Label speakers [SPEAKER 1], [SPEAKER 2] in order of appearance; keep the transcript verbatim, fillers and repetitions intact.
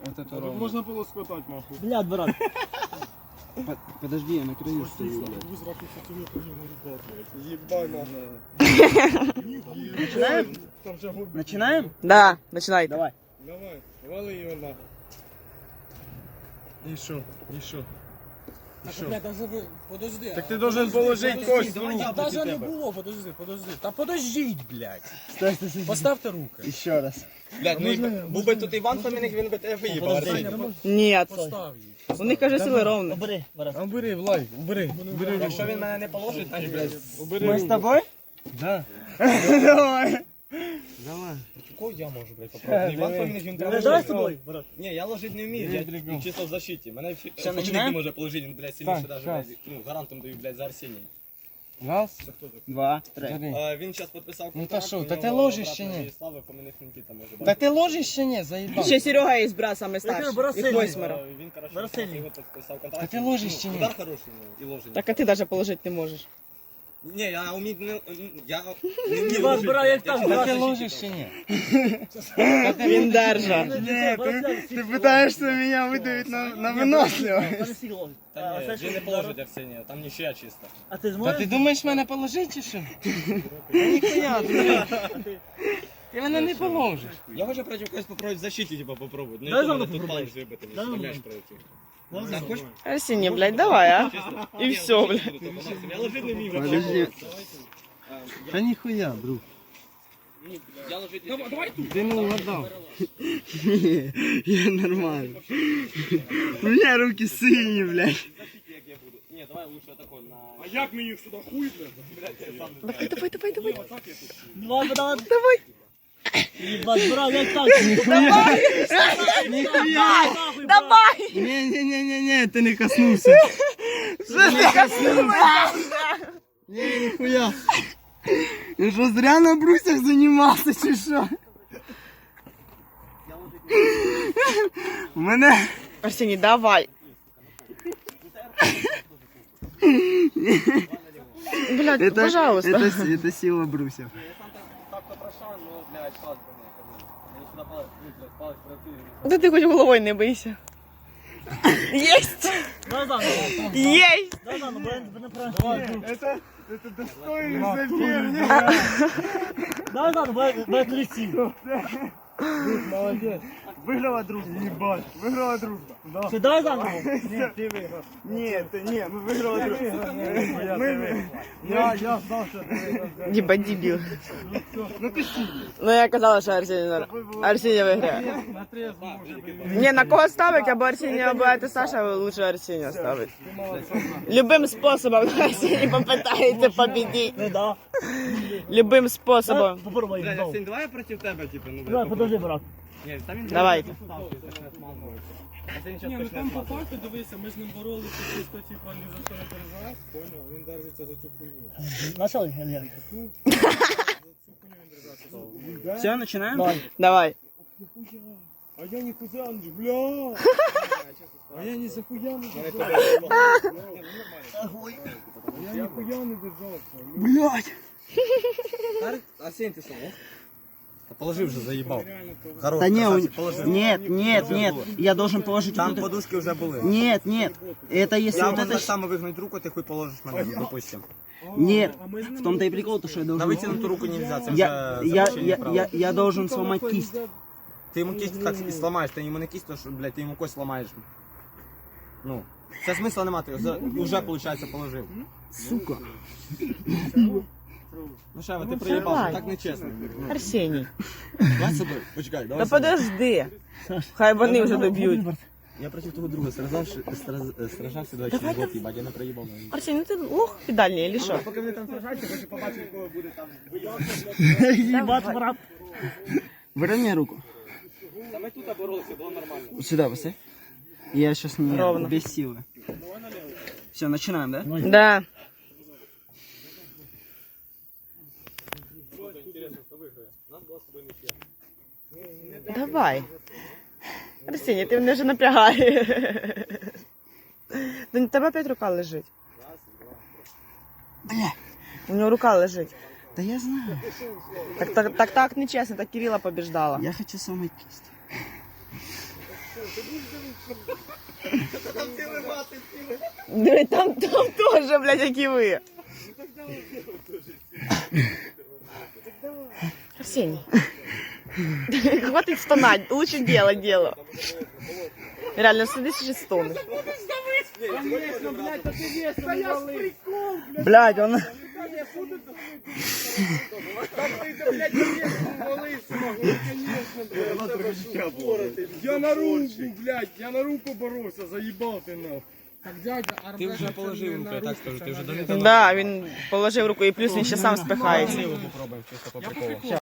[SPEAKER 1] Вот это ровно.
[SPEAKER 2] Можно было скатать, нахуй.
[SPEAKER 3] Блядь, брат.
[SPEAKER 1] Подожди, я на краю стою, блядь.
[SPEAKER 2] Ебать, нахуй.
[SPEAKER 3] Начинаем? Начинаем?
[SPEAKER 4] Да, начинай.
[SPEAKER 3] Давай.
[SPEAKER 2] Давай, вали ее нахуй. И шо? И шо?
[SPEAKER 1] Бля, даже ви... Подожди.
[SPEAKER 2] Так ты должен положить кость в руку.
[SPEAKER 1] Даже не було, подожди, подожди. Та подождіть, блядь.
[SPEAKER 3] Стой, стой, стой.
[SPEAKER 1] Поставте руки.
[SPEAKER 3] Еще раз.
[SPEAKER 2] Блядь, ну був би тут Іван Фоміник, він би тебе виїбав.
[SPEAKER 4] Ні.
[SPEAKER 1] Постав її.
[SPEAKER 4] У них, каже, сили ровно.
[SPEAKER 3] Убери, брат.
[SPEAKER 2] Убери, Влад, убери. Убери.
[SPEAKER 5] Якщо він мене не положить, значить, блядь,
[SPEAKER 2] Убери.
[SPEAKER 3] Мы с тобой?
[SPEAKER 2] Да.
[SPEAKER 3] Давай.
[SPEAKER 2] Давай.
[SPEAKER 5] кого я можу, блядь, попробувати? Іван Фоміник, він
[SPEAKER 3] Давай, давай с тобой, брат.
[SPEAKER 5] Ні, я ложить не вмію, я чисто в защиті. Мене Фоміник не
[SPEAKER 3] починаємо?
[SPEAKER 5] може положити, він, блядь, сильніше
[SPEAKER 2] Так,
[SPEAKER 5] даже,
[SPEAKER 2] щас.
[SPEAKER 5] блядь, ну, гарантом даю, блядь, за Арсенія.
[SPEAKER 2] Раз.
[SPEAKER 3] Два, три.
[SPEAKER 2] Три.
[SPEAKER 5] А, він зараз підписав
[SPEAKER 2] Ну,
[SPEAKER 5] контракт.
[SPEAKER 2] та що,
[SPEAKER 5] у
[SPEAKER 2] та
[SPEAKER 5] нього
[SPEAKER 2] ти ложиш
[SPEAKER 5] обратно
[SPEAKER 2] чи ні?
[SPEAKER 5] є Слава, Фоміник Нікіта може
[SPEAKER 2] Да
[SPEAKER 5] бачити.
[SPEAKER 2] ты ложишь ще не, заебал.
[SPEAKER 4] Ще Серега є брат, саме старший.
[SPEAKER 3] брат
[SPEAKER 4] Їх
[SPEAKER 3] сильний.
[SPEAKER 4] восьмеро.
[SPEAKER 5] А, Він, коротше,
[SPEAKER 3] Зараз сильний.
[SPEAKER 5] його підписав контракт.
[SPEAKER 2] Та ти ложиш чи ні?
[SPEAKER 5] Удар хороший у нього і ложення.
[SPEAKER 4] Так а ти навіть положити не можеш.
[SPEAKER 5] Ні, я умію, не, я не вмію
[SPEAKER 3] Іван,
[SPEAKER 5] ложити.
[SPEAKER 3] брат, як
[SPEAKER 5] Я
[SPEAKER 3] там,
[SPEAKER 5] чисто
[SPEAKER 2] Да
[SPEAKER 5] в
[SPEAKER 2] ты
[SPEAKER 5] защиті
[SPEAKER 2] ложишь
[SPEAKER 5] там.
[SPEAKER 2] ще не.
[SPEAKER 4] Він держа.
[SPEAKER 3] Нет, ты,
[SPEAKER 2] Ты пытаешься меня выдавить на, на выносливость.
[SPEAKER 5] Та ні, він не положить Арсенія, там ніщия чисто.
[SPEAKER 3] А ты
[SPEAKER 2] Да
[SPEAKER 3] сможешь?
[SPEAKER 2] ты думаешь мене положить чи що? Та ніхуя, ти. Ти мене не положиш.
[SPEAKER 5] Я хочу проти когось попробувати в защиті, типа, попробувати. Ну,
[SPEAKER 3] Дай
[SPEAKER 5] і то
[SPEAKER 3] заново
[SPEAKER 5] мене тут
[SPEAKER 3] попробуй.
[SPEAKER 5] палець вибити, не
[SPEAKER 3] Дай
[SPEAKER 5] вставляєш
[SPEAKER 3] заново.
[SPEAKER 5] проти. Так, хочеш?
[SPEAKER 4] Арсеній, блядь, давай, а.
[SPEAKER 5] Чисто?
[SPEAKER 4] І
[SPEAKER 5] Ні,
[SPEAKER 4] все,
[SPEAKER 5] ложити
[SPEAKER 4] блядь.
[SPEAKER 5] буду, то по максимуму. Я ложити не вмію.
[SPEAKER 2] Подожди. Та ніхуя, друг.
[SPEAKER 5] Я ложити не вмію.
[SPEAKER 2] Ти не угадав. Ні, я нормально. У мене руки сині, блядь.
[SPEAKER 5] Защиті, як я буду. Ні, давай лучше отако на...
[SPEAKER 2] А як мені їх сюди хуй,
[SPEAKER 5] Блядь, я сам не
[SPEAKER 4] Давай, давай, давай, давай.
[SPEAKER 3] Давай, давай.
[SPEAKER 4] Давай.
[SPEAKER 3] Ебать, брат, як так?
[SPEAKER 2] Ніхуя.
[SPEAKER 4] Давай.
[SPEAKER 2] Ні-ні-ні-ні, ти не коснувся. Ти не коснувся. Ні, ніхуя. Я що, зря на брусях займався, чи що? У мене...
[SPEAKER 4] Арсеній, давай. Блядь,
[SPEAKER 2] Это,
[SPEAKER 4] пожалуйста.
[SPEAKER 2] это, это сила брусьев.
[SPEAKER 5] так-то прошел, но, блядь, палець понял. Мені сюди палець, ну, блядь, палець пройти.
[SPEAKER 4] Да ти хоч головою не бийся. Єсть!
[SPEAKER 3] Давай заново.
[SPEAKER 4] Єсть!
[SPEAKER 3] Давай заново, бо не правильно.
[SPEAKER 2] Это, это достойный соперник.
[SPEAKER 3] Давай заново, бо я трясти.
[SPEAKER 2] Молодец. Выиграла дружба. Ебать, выиграла дружба. Да.
[SPEAKER 3] Все, давай заново.
[SPEAKER 2] Нет, ты выиграл. Нет, ты, нет, мы выиграла дружба. Мы, я, я знал, что ты выиграл.
[SPEAKER 4] Діба дебіл.
[SPEAKER 2] Ну ты сильный.
[SPEAKER 4] Ну я казала, що Арсеній, Арсеній виграє.
[SPEAKER 2] На трезвом уже были.
[SPEAKER 4] Ні, на кого ставить, або Арсеній, або это Саша, лучше Арсенія ставить. Любим способом Арсеній попитається победить.
[SPEAKER 3] Ну да.
[SPEAKER 4] Любим способом.
[SPEAKER 3] Попробуй.
[SPEAKER 5] Блядь,
[SPEAKER 3] знову.
[SPEAKER 5] Арсень, давай я проти тебе, типу, ну,
[SPEAKER 3] Давай,
[SPEAKER 5] блядь,
[SPEAKER 3] подожди, брат.
[SPEAKER 5] Ні, там він
[SPEAKER 4] Давайте.
[SPEAKER 5] Арсень
[SPEAKER 1] Ні,
[SPEAKER 5] зараз
[SPEAKER 1] ну
[SPEAKER 5] почне
[SPEAKER 1] там по
[SPEAKER 5] смазувати.
[SPEAKER 1] факту, дивися, ми з ним боролися, чисто, типа, ні за що не переживав, поняв? Він держиться за цю хуйню.
[SPEAKER 3] Начал, Илья?
[SPEAKER 4] Все, починаємо?
[SPEAKER 3] Давай.
[SPEAKER 4] Давай.
[SPEAKER 2] А я не кузянж, бля. А я не захуя не держал. А я нихуя не держался.
[SPEAKER 4] Блядь.
[SPEAKER 5] Арсень, ти що, ох? Та положи вже, заїбав. Хорош,
[SPEAKER 3] Да не,
[SPEAKER 5] красавчик,
[SPEAKER 3] у-
[SPEAKER 5] положи.
[SPEAKER 3] нет, нет, нет. Я должен положить
[SPEAKER 5] Там
[SPEAKER 3] вот это-
[SPEAKER 5] подушки вже були.
[SPEAKER 3] Нет, нет. Это если
[SPEAKER 5] Я
[SPEAKER 3] вот
[SPEAKER 5] можу
[SPEAKER 3] это...
[SPEAKER 5] так
[SPEAKER 3] щ-
[SPEAKER 5] само вигнути руку, ти хуй положиш мене, допустим.
[SPEAKER 3] Нет. В том-то и прикол, то, что я
[SPEAKER 5] На
[SPEAKER 3] должен...
[SPEAKER 5] витягнуту руку нельзя, це
[SPEAKER 3] Я,
[SPEAKER 5] вже
[SPEAKER 3] я,
[SPEAKER 5] запрещення
[SPEAKER 3] я,
[SPEAKER 5] права.
[SPEAKER 3] я, я должен сломать кисть.
[SPEAKER 5] Ти йому кість так і сламаєш, ти йому не кість, то що, блядь, ти йому кость ламаєш. Ну, це смисла нема, ти його за- уже, виходить, положив.
[SPEAKER 3] Сука.
[SPEAKER 5] Ну Шева, ти приїбав,
[SPEAKER 4] давай.
[SPEAKER 5] так нечесно. Ну,
[SPEAKER 4] Арсеній.
[SPEAKER 5] давай собі, почекай, давай
[SPEAKER 4] Та
[SPEAKER 5] собі.
[SPEAKER 4] подожди. Хай вони вже доб'ють.
[SPEAKER 5] Я проти того друга сражався, страз- сражався два через год, їбать, я не проїбав.
[SPEAKER 4] Арсеній, ну ти лох підальний, или що?
[SPEAKER 5] Поки вони там сражаються, хочу побачити, кого буде там.
[SPEAKER 3] Ебать, брат.
[SPEAKER 2] Выровняй руку.
[SPEAKER 5] Та ми тут боролися, було нормально.
[SPEAKER 2] Сюда поставь. Я сейчас не
[SPEAKER 4] Ровно.
[SPEAKER 2] без силы. Все, начинаем, да?
[SPEAKER 4] Да. Давай. Арсеній, ти мене вже напрягаєш. Та не тебе опять рука лежить.
[SPEAKER 2] Бля.
[SPEAKER 4] У нього рука лежить.
[SPEAKER 2] Да я знаю.
[SPEAKER 4] Так, так, так, так нечесно, так Кирилла побеждала.
[SPEAKER 2] Я хочу сломать кисть.
[SPEAKER 4] Диви, там, там теж, блядь, як і ви. Арсений. Хватит стонать, лучше делать дело. Реально, садись и стонешь.
[SPEAKER 3] Блядь, он...
[SPEAKER 1] Я на руку, блядь, я на руку боровся, заїбав ти нахуй. Так, дядя, арбез...
[SPEAKER 5] Ти вже положив руку, я так скажу, ти вже до
[SPEAKER 4] Да, він положив руку і плюс він ще сам спихається.
[SPEAKER 5] Попробуємо чисто по приколу.